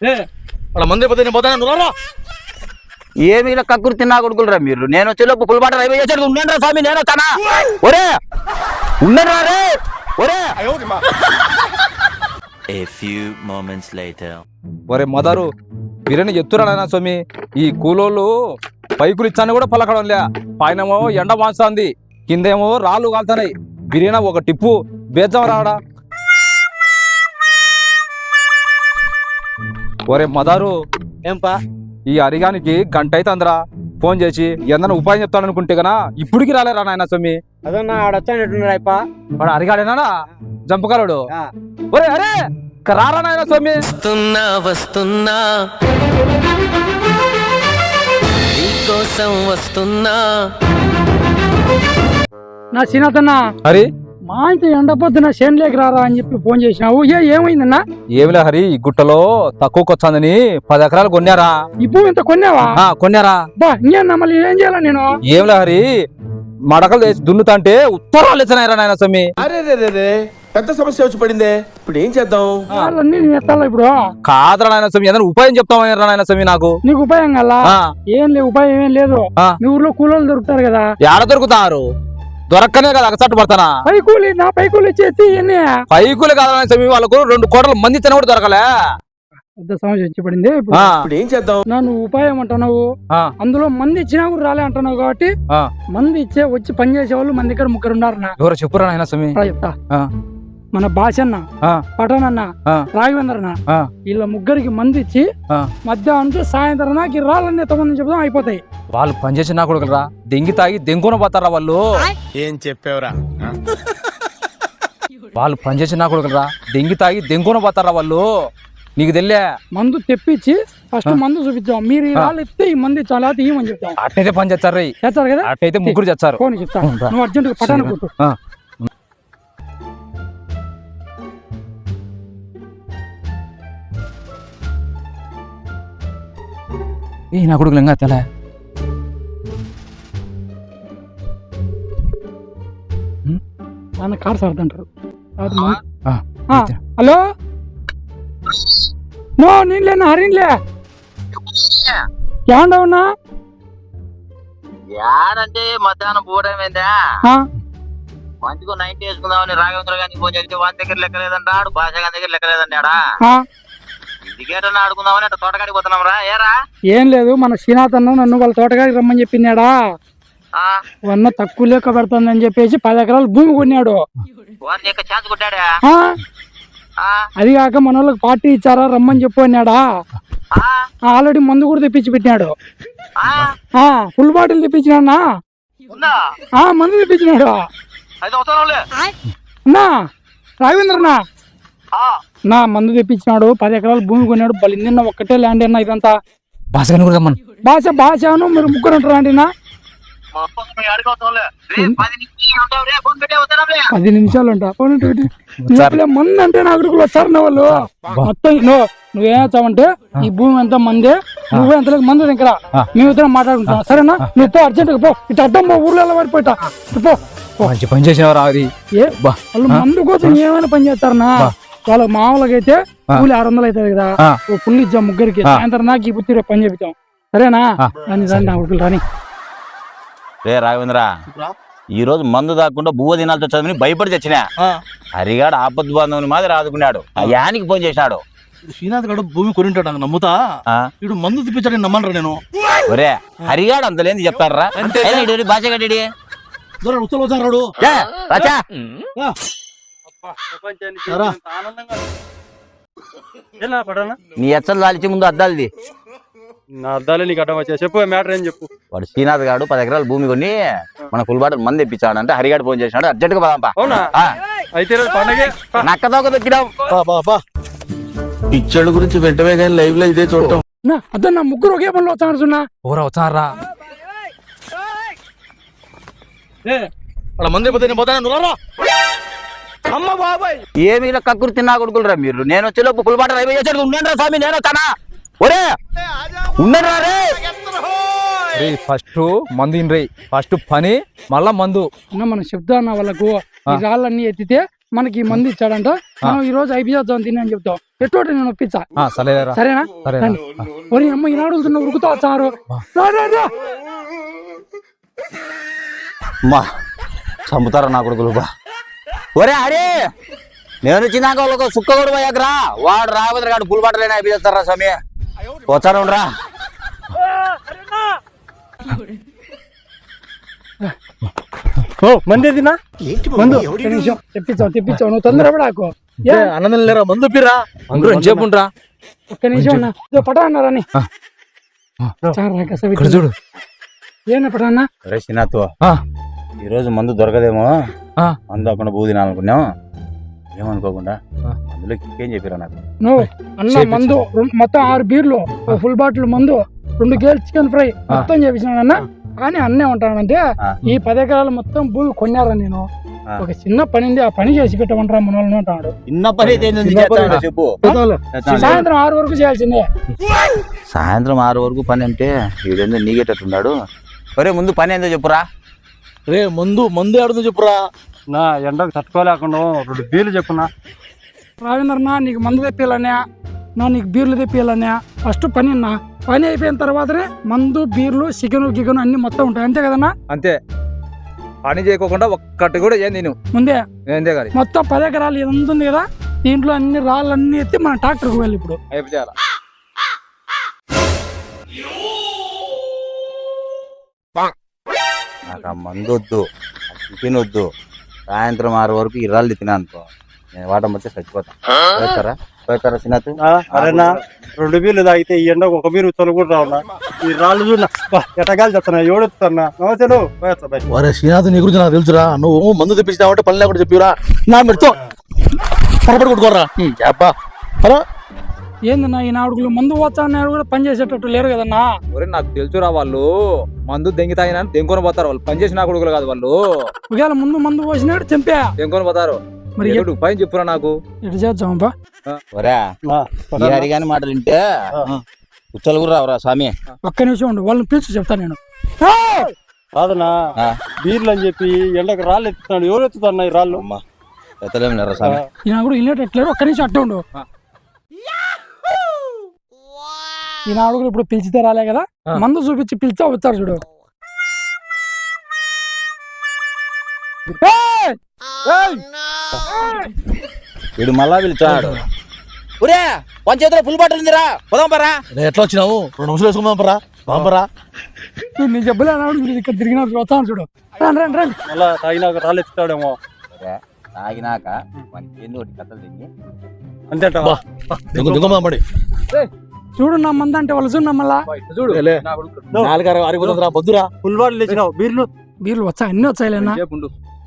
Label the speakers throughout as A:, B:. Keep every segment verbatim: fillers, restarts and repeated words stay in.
A: వాళ్ళ మంది పోతే నేను పోతాను నువ్వు
B: ఏమి ఇలా కక్కురు తిన్నా కొడుకులరా మీరు. నేను వచ్చేలోపు పులిపాట రైల్వే చేసాడు ఉండండి స్వామి. నేను వస్తానా? ఒరే ఉండండి రే ఒరే.
C: A few moments later.
D: ఒరే మదరు బిర్యానీ చెప్తురా నాయన స్వామి. ఈ కూలోళ్ళు పైకులు ఇచ్చాను కూడా పలకడం లే. పైనేమో ఎండ మాస్తుంది, కిందేమో రాళ్ళు కాలుతున్నాయి. బిర్యానీ ఒక టిప్పు బేద్దాం రావడా. ఒరే మదారు
A: ఏంపా
D: ఈ అరిగానికి గంట అయితే అందరా ఫోన్ చేసి ఏదన్నా ఉపాయం చెప్తాను అనుకుంటే గనా ఇప్పటికి రాలేరా నాయన స్వామి.
A: అదన్నా ఆడొచ్చానట్టున్నాడు అయిపా.
D: వాడు అరిగాడేనా జంపకారుడు. ఒరే అరే రారా నాయన స్వామి.
C: వస్తున్నా వస్తున్నా నీకోసం వస్తున్నా.
E: నా సీనాథన్నా
D: హరి
E: మా ఇంత ఎండపోతున్న చేనులోకి రారా అని చెప్పి ఫోన్ చేసినావు. ఏ ఏమైందన్నా?
D: ఏమిలే హరి, ఈ గుట్టలో తక్కువకి వచ్చాందని పది ఎకరాలు కొన్నారా.
E: ఈ భూమి ఇంత కొన్నావా?
D: ఆ కొన్నారా.
E: బా ఇంకేనా మళ్ళీ ఏం చేయాలా నేను?
D: ఏమిలే హరి, మడకలు వేసి దున్నుతాంటే ఉత్తరాలు ఇచ్చినాయిరా నాయన స్వామి.
F: అరే రే రే పెద్ద సమస్య వచ్చి పడిందే, ఇప్పుడు ఏం చేద్దాం?
E: వాళ్ళన్నీ నేను ఎత్తాలా ఇప్పుడు?
D: కాదురా నాయన స్వామి, ఏదైనా ఉపాయం చెప్తామని నాయన స్వామి నాకు.
E: నీకు ఉపాయం కల్లా
D: ఆ.
E: ఏం లేదు, ఉపాయం ఏం లేదు.
D: ఆ.
E: మీ ఊర్లో కూలీలు దొరుకుతారు కదా.
D: ఏడ దొరుకుతారు? దొరక్కనే కదా అగసట్టు పడతానా.
E: పై కూలి నా పై కూలి ఇచ్చేసి ఎన్ని
D: పైకులు కాదు నాయన స్వామి, వాళ్ళకు రెండు కోట్ల మంది ఇచ్చినా కూడా దొరకలే.
E: పెద్ద సమస్య వచ్చి పడింది ఇప్పుడు.
D: ఆ.
F: ఇప్పుడు ఏం చేద్దాం?
E: నన్ను ఉపాయం అంటున్నావు,
D: ఆ.
E: అందులో మంది ఇచ్చినా కూడా రాలే అంటున్నావు కాబట్టి
D: ఆ.
E: మంది ఇచ్చే వచ్చి పని చేసే వాళ్ళు మన దగ్గర ముగ్గురు ఉన్నారు. నా
D: ఎవరో చెప్పురా నాయన స్వామి.
E: రా చెప్తా.
D: ఆ.
E: మన భాషన్న,
D: ఆ.
E: పటనన్న,
D: ఆ.
E: రాఘవేంద్రన్న
D: ఆ.
E: వీళ్ళ ముగ్గురికి మంది ఇచ్చి
D: ఆ.
E: మధ్యాహ్నం సాయంత్రం నాకు ఈ రాళ్ళన్నీ తమని చెప్తాం అయిపోతాయి.
D: వాళ్ళు పనిచేసి నా కొడుకులరా, దెంగి తాగి దెంగున పోతారా వాళ్ళు.
F: ఏం చెప్పావురా?
D: వాళ్ళు పనిచేసి నా కొడుకులరా, దెంగి తాగి దెంగున పోతారా వాళ్ళు. నీకు తెలియే.
E: మందు తెప్పించి ఫస్ట్ మందు చూపించాం. మీరు ఈ రాళ్ళు ఇస్తే ఈ మంది చాలా తీయమని చెప్తాం.
D: అట్టయితే పని చేస్తారు రై.
E: చేస్తారు కదా.
D: అట్టయితే ముగ్గురు చేస్తారు.
E: ఫోన్ చెప్తా, నువ్వు అర్జెంట్ పటాను కొట్టు.
D: ఆ. ఏ నా కొడుకులు ఇంకా తెల
E: నాన్న కార్ సర్దంటారు.
D: ఆ.
E: హలో నో నేనులేనా హరిన్లే ఏండా ఉన్నా
B: యాడంటే మధ్యాహ్నం పోవడమేందా?
E: ఆ?
B: మంచిగా నైన్టీ వేసుకుందామని రాఘవేంద్ర గారికి ఫోన్ చేస్తే వాని దగ్గర లెక్కలేదంట, ఆడు భాష గారి దగ్గర లెక్కలేదండి. ఆడా
E: ఆ?
B: ఇంటికేటన్నా ఆడుకుందామని అట్లా తోటకాడికి పోతున్నాం రా. ఏరా
E: ఏం లేదు, మన శ్రీనాథ్ అన్న నన్ను వాళ్ళ తోటగారికి రమ్మని చెప్పిందాడా. వన్న తక్కువ లెక్క పెడుతుందని చెప్పేసి పది ఎకరాలు భూమి కొన్నాడు.
B: వాని యొక్క ఛాన్స్ కొట్టాడా?
E: ఆ? అది కాక మన వాళ్ళకి పార్టీ ఇచ్చారా రమ్మని చెప్పు అన్నాడా. ఆల్రెడీ మందు కూడా తెప్పించి పెట్టినాడు. ఫుల్ బాటిల్ తెప్పించినా. మందు తెప్పించినాడు అన్నా. రాఘవేంద్రనా నా మందు తెప్పించినాడు, పది ఎకరాలు భూమి కొన్నాడు. బలిందిన్న ఒక్కటే ల్యాండ్ అన్నా ఇదంతా.
D: భాషగాని కూడా రమ్మను.
E: భాష భాషను మీరు ముగ్గురు అంటారా అండి? నా పది నిమిషాలు ఉంటా మంది అంటే నా అడుగులు వచ్చారు నా వాళ్ళు మొత్తం. నువ్వు నువ్వేమవుతావంటే ఈ భూమి ఎంత మందే, నువ్వే ఎంత మంది దగ్గర మేమిద్దరం మాట్లాడుకుంటాం సరేనా? నువ్వు పో అర్జెంట్ గా పో. ఇటు అడ్డం పో, ఊర్లో ఎలా పడిపోతా పో.
D: మంచి పని చేసినవరా. అది
E: ఏ వాళ్ళు మందు కోసం ఏమైనా పని చేస్తారనా? వాళ్ళ మామూలుగా అయితే కూలి ఆరు వందలు అవుతుంది కదా, పుల్లు ఇచ్చాం ముగ్గురికి. సాయంత్రం నాకు ఈ పుత్తి పని చెప్తాం సరేనా? రాని రాని నా ఉడుకులు రాని.
B: రే రాఘవేంద్ర, ఈ రోజు మందు దాక్కుండా బువ్వ దినాలతో చదివి భయపడి తెచ్చినా. హరిగాడు ఆపద్ బాంధవుని మాదిరి ఆదుకున్నాడు. ఆ యానికి ఫోన్ చేసినాడు.
A: శ్రీనాథ్ గడు భూమి కొనింటాడు నమ్ముతా. ఇడు మందు తిప్పించాడని నమ్మనరా నేను.
B: ఒరే హరిగాడు అంతలేంది చెప్తారా? భాష గడ్డి
A: ఉత్తరాడు
B: నీ ఎచ్చలు దాల్చి ముందు అద్దాలది.
A: నా అర్థాలే నీకు అడ్డం వచ్చా. చెప్పు మ్యాటర్ ఏం చెప్పు.
B: వాడు శ్రీనాథ్ గాడు పది ఎకరాలు భూమి కొని మన ఫుల్బాటలు మంది తెప్పించాడు అంటే హరిగాడు ఫోన్ చేసినాడు. అర్జెంట్ గా పదాంపా.
A: అవునా? అయితే పండగే
B: నక్కదోక దొక్కినాం.
F: పిచ్చడు గురించి వెంటనే కానీ లైవ్ లో ఇదే చూడటం.
E: అదే నా ముగ్గురు ఒకే పనిలో వచ్చాను.
D: ఊరా వచ్చారా.
A: వాళ్ళ మంది పోతే నేను పోతాను నువ్వు. అమ్మ బాబాయ్
B: ఏమి ఇలా కక్కురు తిన్నా కొడుకులరా మీరు. నేను వచ్చేలోపు ఫుల్బాట రైల్వే చేసాడు ఉండండి స్వామి. నేను వస్తానా? ఒరే ఉండరా రే.
D: ఫస్ట్ మందు రే, ఫస్ట్ పని మళ్ళా మందు.
E: మనం చెప్తా అన్న వాళ్ళకు ఈ రాళ్ళన్నీ ఎత్తితే మనకి ఈ మంది ఇచ్చాడంట మనం ఈ రోజు అయిపోయేద్దాం తిని అని చెప్తాం ఎటువంటి నేను ఒప్పించా
D: ఆ, సరేరా
E: సరేనా
D: సరేనా
E: రండి. ఒరి అమ్మ ఈనాడు వెళ్తున్నా ఉరుకుతా వచ్చారు రా, రా, రా.
B: అమ్మా చంపుతారా నా కొడుకులు బా ఒరే అరే నేను వచ్చినాక వాళ్ళకు సుక్క కూడా పోయాకరా వాడు రాబోతురు కాడు పుల్ బట్టలేనా అయిపోతారా స్వామి వచ్చారు రా
A: మంది ఏదినా
E: మందు ఒక్క నిమిషం తెప్పించావు తెప్పించావు నువ్వు తొందరపడాకు ఏ,
A: అన్నం లేరా మందు పిరా
D: చెప్పుండ్రా
E: ఒక్క నిమిషం అన్న ఇదో పటా అన్నారని చాలు కస
D: చూడు
E: ఏనా పటా అన్న
B: అరే సినాతో
D: ఆ,
B: ఈ రోజు మందు దొరకదేమో
D: ఆ.
B: మందు అక్కడ బూ తినాలనుకున్నాం ఏమనుకోకుండా అందులో ఏం చెప్పారా నాకు
E: నువ్వు అన్న మందు రెండు- మొత్తం ఆరు బీర్లు ఓ ఫుల్ బాటిల్ మందు రెండు గేల్ చికెన్ ఫ్రై మొత్తం చేపించినాను అన్న కానీ అన్నే ఉంటానంటే
B: ఆ.
E: ఈ పది ఎకరాలు మొత్తం భూమి కొన్నారా నేను
B: ఆ.
E: ఒక చిన్న పని ఉంది ఆ పని చేసి పెట్టమంటారా మన వాళ్ళని అంటాడు
B: చిన్న పని అయితే ఏంది చేస్తావురా చెప్పు
E: సాయంత్రం ఆరు వరకు చేయాల్సిందే
B: సాయంత్రం ఆరు వరకు పని అంటే వీడేందో నీగేటట్టున్నాడు ఒరే ముందు పని ఏందో చెప్పురా
A: రే మందు మందు ఆడుందో చెప్పురా
G: నా ఎండకు తట్టుకోలేకుండా రెండు బీర్లు చెప్పున్నా
E: రావేంద్రన్నా నీకు మందు తెప్పియాలన్నా నా నీకు బీర్లు తెప్పియాలన్నా ఫస్ట్ పని అన్నా పని అయిపోయిన తర్వాతనే మందు బీర్లు చికెన్ గికెన్ అన్ని మొత్తం ఉంటాయి అంతే కదన్నా
D: అంతే పని చేయకోకుండా ఒక్కటి కూడా ఏం నేను
E: ముందే
D: ఏందే కానీ
E: మొత్తం పది ఎకరాలు ఇది అంత ఉంది కదా దీంట్లో అన్ని రాళ్ళు అన్ని ఎత్తి మన ట్రాక్టర్కి వెళ్ళి ఇప్పుడు
D: అయిపోయారా
B: నాకు ఆ మందు వద్దు ఆ చికెన్ వద్దు సాయంత్రం ఆరు వరకు ఇరాళ్ళు తినా అనుకో నేను వాటం వచ్చి చచ్చిపోతాను పోతారా పోతారా సినాత్
G: అరేనా రెండు బీర్లు తాగితే ఈ ఎండకు ఒక బీరు చలు కూడా రావునా ఈ రాళ్ళు చూడ ఎటగాలి చెప్తున్నా ఎవడెత్తున్నా నవ్వుతాను పోయొచ్చా బయట
A: ఒరే శ్రీనాథ్ నీ గురించి నాకు తెలుసురా నువ్వు మందు తెప్పించినావంటే పని లేకుండా చెప్పిరా నా మెడతో పొరపడి కొట్టుకోరా అబ్బా హలో
E: ఏందన్నా ఈ నాడుగులు మందు పోతా అన్నారు కూడా పని చేసేటట్టు లేరు కదన్నా
D: ఒరే నాకు తెలుసురా వాళ్ళు మందు దెంగి తాగినా దెంకొని పోతారు వాళ్ళు పని చేసిన కొడుకులు కాదు వాళ్ళు
E: ఒకవేళ ముందు మందు పోసినాడు చంపా
D: దెంకొని పోతారు
E: మరి
D: ఎటు పైన చెప్పురా నాకు
E: ఎటు చేద్దాంపా
B: ఒరే ఈ హరిగాని మాటలు వింటే కుచ్చలు కూడా రావురా స్వామి
E: ఒక్క నిమిషం ఉండు వాళ్ళని పిలిచి చెప్తా నేను
G: కాదనా
B: ఆ.
G: బీర్లు అని చెప్పి ఎండకు రాళ్ళు ఎత్తుతున్నాడు ఎవరు ఎత్తుతున్నా ఈ రాళ్ళు
B: అమ్మా ఎత్తలేము లేరా స్వామి
E: ఈయన కూడా వినేటట్లేరు ఒక్క నిమిషం అట్టే ఉండు ఈ నాడుగులు ఇప్పుడు పిలిచితే రాలే కదా మందు చూపించి పిలిచా వచ్చారు చూడు ఏయ్! ఏయ్!
B: వీడు మళ్ళా పిలిచాడు ఒరే పంచేతిలో ఫుల్ బాటిల్ ఉందిరా పోదాం పరా
A: రే ఎట్లా వచ్చినావు రెండు నిమిషాలు వేసుకుందాం పరా బాంపరా
E: చూడు, నీ జబ్బులే నాడు ఇక్కడ తిరిగిన వస్తాను చూడు రండి రండి రండి
G: మళ్ళా తాగినాక రాళ్ళు ఎత్తుతాడేమో
B: ఒరే, తాగినాక మనకి ఏందో ఒకటి కథలు తిని
G: అంతేటా
A: దిగుదాం పడి
E: చూడు నా మంది అంటే వాళ్ళు చూడు మళ్ళా
D: చూడు
A: లే. నాలుగు అరవై ఆరిపోతుందిరా బొద్దురా
G: ఫుల్ బాటిల్ తెచ్చినావు బీర్లు
E: బీర్లు వచ్చా అన్ని వచ్చాయిలేనా
D: చెప్పుండు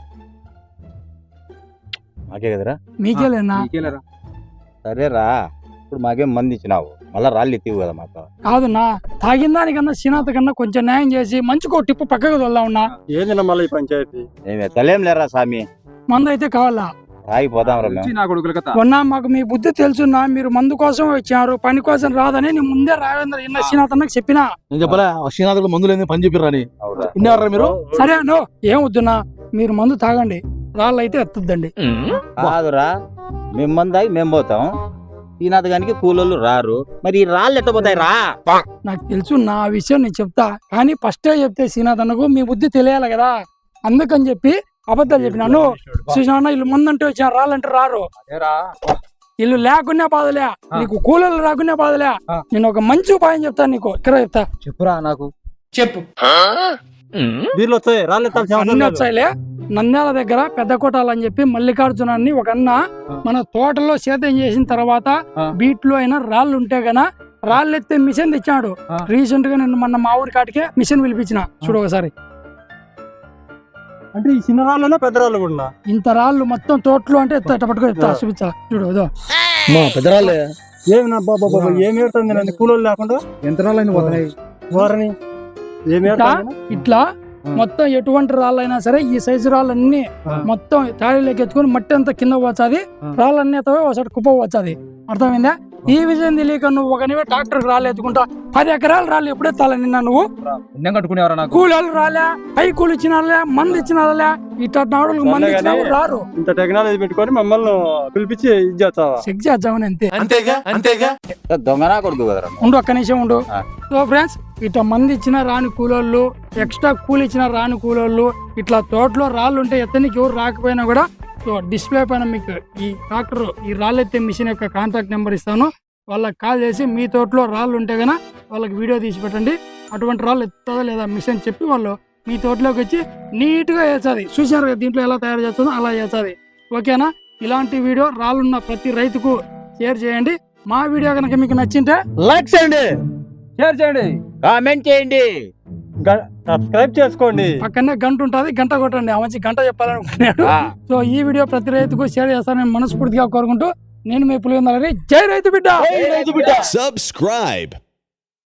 B: మాకే కదరా
E: మీకేలేనా
D: నీకేలేరా
B: సరేరా ఇప్పుడు మాకేం మంది ఇచ్చినావు మళ్ళా రాళ్ళు ఎత్తివు కదా మాకు
E: కాదున్నా తాగిన దానికన్నా శ్రీనాథ్ కన్నా కొంచెం న్యాయం చేసి మంచికో టిప్పు పక్కకు వెళ్దామన్నా
G: ఏందినా మళ్ళీ ఈ పంచాయతీ
B: మేము ఎత్తలేం లేరా స్వామి
E: మందు అయితే కావాలా
B: తాగిపోదాం రా మేము
D: నా కొడుకుల కథ
E: ఉన్నా మాకు మీ బుద్ధి తెలుసున్నా మీరు మందు కోసం వచ్చారు పని కోసం రాదని నేను ముందే రావేంద్ర ఇన్న శ్రీనాథ్ అన్నకి చెప్పినా
A: నేను చెప్పలే శ్రీనాథ్ కూడా మందు లేని పని చెప్పిర్రా అని
B: అవురా
A: ఇన్నారా మీరు
E: సరే నో ఏం వద్దున్నా మీరు మందు తాగండి రాళ్ళు అయితే ఎత్తద్దండి
B: కాదురా మేము మంది తాగి మేము పోతాం ఈనాథ్ గానికి కూలోళ్ళు రారు మరి ఈ రాళ్ళు ఎట్ట పోతాయి రా
E: నాకు తెలుసు నా ఆ విషయం నేను చెప్తా కానీ ఫస్టే చెప్తే శ్రీనాథ్ అన్నకు మీ బుద్ధి తెలియాలి కదా అందుకని చెప్పి అబద్ధాలు చెప్పినాను చూసినా వీళ్ళు ముందంటే వచ్చిన రాళ్ళంటే రారు
D: అదేరా
E: వీళ్ళు లేకున్నా బాధలే నీకు కూలీలు రాకున్నా బాధలే నేను ఒక మంచి ఉపాయం చెప్తాను నీకు ఇక్కడ చెప్తా
D: చెప్పురా నాకు
E: చెప్పు
G: బీర్లు వచ్చాయి రాళ్ళు ఎత్తాల్సిన అవసరం
E: అన్ని
G: లేదు.
E: వచ్చాయిలే నంద్యాల దగ్గర పెద్ద కోటాలని చెప్పి మల్లికార్జునాన్ని ఒక అన్న మన తోటలో సేద్యం చేసిన తర్వాత బీట్లో అయినా రాళ్ళు ఉంటే గన రాళ్ళు ఎత్తే మిషన్ తెచ్చాడు
D: ఆ.
E: రీసెంట్ గా నేను మొన్న మా ఊరి కాటికే మిషన్ పిలిపించిన చూడు ఒకసారి
G: అంటే ఈ చిన్న రాళ్ళైనా పెద్ద రాళ్ళు కూడా
E: ఇంత రాళ్ళు మొత్తం తోటలో అంటే ఎత్త పట్టుకో ఎత్తా చూపించా చూడు ఇదో
A: మా పెద్దరాళ్ళే
G: ఏమి నా బాబా బాబా ఏమి ఏడుతుంది నన్ను కూలోళ్ళు లేకుండా
D: యంత్రాలైన పోతున్నాయి
G: వారని ఏమి ఏడుతుంది
E: ఇట్లా మొత్తం ఎటువంటి రాళ్ళైనా సరే ఈ సైజు రాళ్ళన్నీ మొత్తం తాళీలోకి ఎత్తుకొని మట్టి అంతా కింద వచ్చాది రాళ్ళన్నీ ఎత్తవే ఒకసారి కుప్ప వచ్చాది అర్థమైందా ఈ విషయం తెలియక నువ్వు ఒక నీవే ట్రాక్టర్ రాళ్ళు ఎత్తుకుంటా పది ఎకరాలు రాళ్ళు ఎప్పుడే తాలే నిన్న నువ్వు
D: పుణ్యం కట్టుకునేవారా నాకు
E: కూలీలు రాలే పై కూలి ఇచ్చినారులే మంది ఇచ్చినారులే ఇట్లా నాడులకు మంది ఇచ్చినా కూడా రారు
G: ఇంత టెక్నాలజీ పెట్టుకొని మమ్మల్ని పిలిపించి ఇది చేస్తావా
E: చెక్ చేద్దామని అంతే
F: అంతేగా అంతేగా
B: దొంగనా కొడుకు కదరా నువ్వు.
E: ఉండు ఒక్క నిమిషం ఉండు
B: ఆ.
E: సో ఫ్రెండ్స్ ఇట్లా మంది ఇచ్చిన రాని కూలోళ్ళు ఎక్స్ట్రా కూలి ఇచ్చిన రాని కూలోళ్ళు ఇట్లా తోటలో రాళ్ళు ఉంటే ఎత్తనికి ఎవరు రాకపోయినా కూడా సో డిస్ప్లే పైన మీకు ఈ ట్రాక్టర్ ఈ రాళ్ళు ఎత్తే మిషన్ యొక్క కాంటాక్ట్ నెంబర్ ఇస్తాను వాళ్ళకి కాల్ చేసి మీ తోటలో రాళ్ళు ఉంటే కనుక వాళ్ళకి వీడియో తీసి పెట్టండి అటువంటి రాళ్ళు ఎత్తుందా లేదా మిషన్ చెప్పి వాళ్ళు మీ తోటలోకి వచ్చి నీట్గా వేస్తుంది చూసారు కదా దీంట్లో ఎలా తయారు చేస్తుందో అలా వేస్తుంది ఓకేనా ఇలాంటి వీడియో రాళ్ళున్న ప్రతి రైతుకు షేర్ చేయండి మా వీడియో కనుక మీకు నచ్చింటే
B: లైక్ చేయండి,
D: షేర్ చేయండి.
B: కామెంట్ చేయండి.
G: సబ్స్క్రైబ్ చేసుకోండి.
E: పక్కనే గంట ఉంటుంది గంట కొట్టండి ఆ మంచి గంట చెప్పాలనుకున్నాడు
B: ఆ.
E: సో ఈ వీడియో ప్రతి రైతుకు షేర్ చేస్తానని మనస్ఫూర్తిగా కోరుకుంటూ నేను మీ పులివెందుల హరి. జై రైతు బిడ్డ
H: Subscribe.